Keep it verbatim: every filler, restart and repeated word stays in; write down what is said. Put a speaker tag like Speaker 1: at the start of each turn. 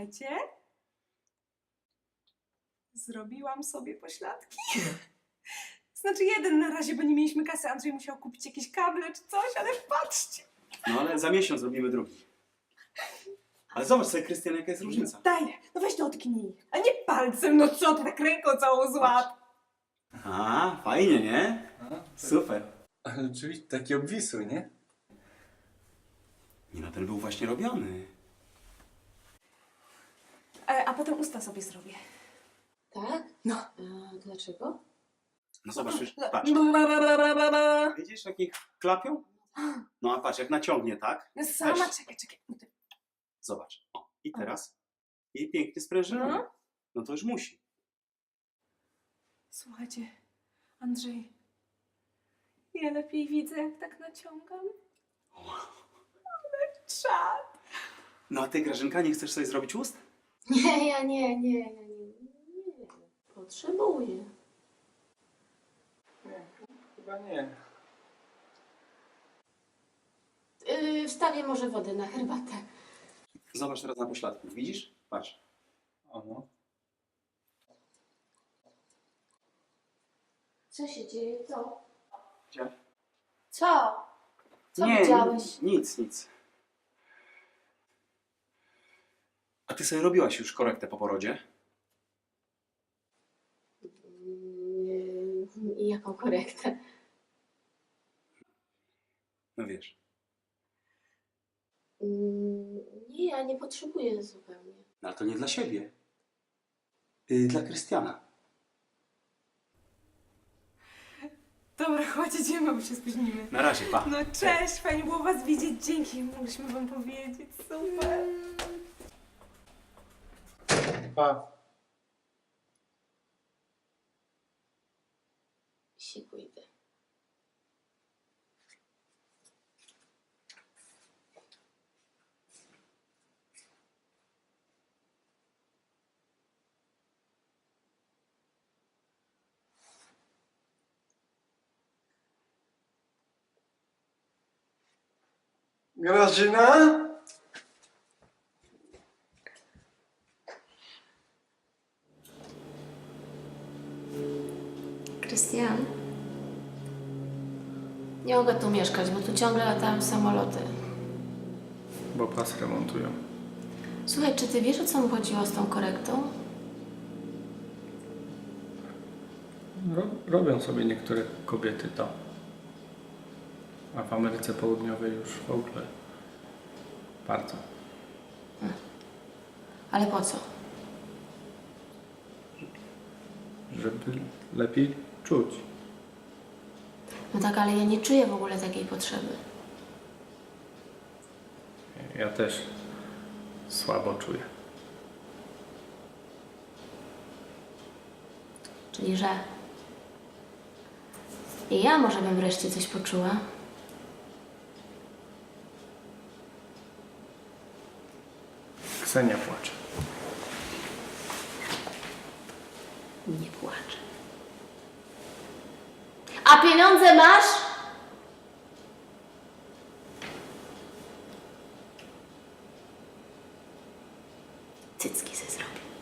Speaker 1: Słuchajcie, zrobiłam sobie pośladki. Znaczy jeden na razie, bo nie mieliśmy kasy. Andrzej musiał kupić jakieś kable czy coś, ale patrzcie.
Speaker 2: No ale za miesiąc robimy drugi. Ale zobacz sobie, Krystian, jaka jest różnica.
Speaker 1: Daj, no weź to odknij. A nie palcem, no co ty tak ręką całą złap.
Speaker 2: A, fajnie, nie? Super.
Speaker 3: Ale rzeczywiście taki obwisły, nie?
Speaker 2: Nie no, ten był właśnie robiony.
Speaker 1: E, a potem usta sobie zrobię.
Speaker 4: Tak?
Speaker 1: No.
Speaker 4: A dlaczego?
Speaker 2: No zobacz, już, patrz. Widzisz, jak ich klapią? No a patrz, jak naciągnie, tak?
Speaker 1: No sama,
Speaker 2: Weź.
Speaker 1: czekaj, czekaj.
Speaker 2: Zobacz. O, i teraz? I pięknie sprężynowy.
Speaker 1: No.
Speaker 2: No to już musi.
Speaker 1: Słuchajcie, Andrzej, ja lepiej widzę, jak tak naciągam. Ale czad.
Speaker 2: No a ty, Grażynka, nie chcesz sobie zrobić ust?
Speaker 4: Nie, ja nie, nie, ja nie, nie. Potrzebuję.
Speaker 3: Nie, chyba nie.
Speaker 4: Yy, wstawię może wodę na herbatę.
Speaker 2: Zobacz teraz na pośladku. Widzisz? Patrz.
Speaker 3: O no.
Speaker 4: Co się dzieje? Co?
Speaker 2: Gdzie?
Speaker 4: Co? Co
Speaker 2: nie,
Speaker 4: widziałeś?
Speaker 2: nic, nic. A ty sobie robiłaś już korektę po porodzie?
Speaker 4: Yy, I jaką korektę?
Speaker 2: No wiesz.
Speaker 4: Yy, nie, ja nie potrzebuję zupełnie.
Speaker 2: No ale to nie dla siebie. Yy, dla Krystiana.
Speaker 1: Dobra, chodź, idziemy, bo się spóźnimy.
Speaker 2: Na razie, pa.
Speaker 1: No cześć, fajnie było was widzieć. Dzięki, mogliśmy wam powiedzieć. Super.
Speaker 3: Pa.
Speaker 4: Siku idę.
Speaker 3: Grażyna?
Speaker 4: Krystian? Nie mogę tu mieszkać, bo tu ciągle latają samoloty.
Speaker 3: Bo pas remontują.
Speaker 4: Słuchaj, czy ty wiesz, o co mu chodziło z tą korektą?
Speaker 3: Ro robią sobie niektóre kobiety to. A w Ameryce Południowej już w ogóle bardzo.
Speaker 4: Ale po co?
Speaker 3: Żeby lepiej czuć.
Speaker 4: No tak, ale ja nie czuję w ogóle takiej potrzeby.
Speaker 3: Ja też słabo czuję.
Speaker 4: Czyli, że i ja może bym wreszcie coś poczuła.
Speaker 3: Ksenia płacze.
Speaker 4: Nie płaczę. A pieniądze masz? Cycki se zrobię.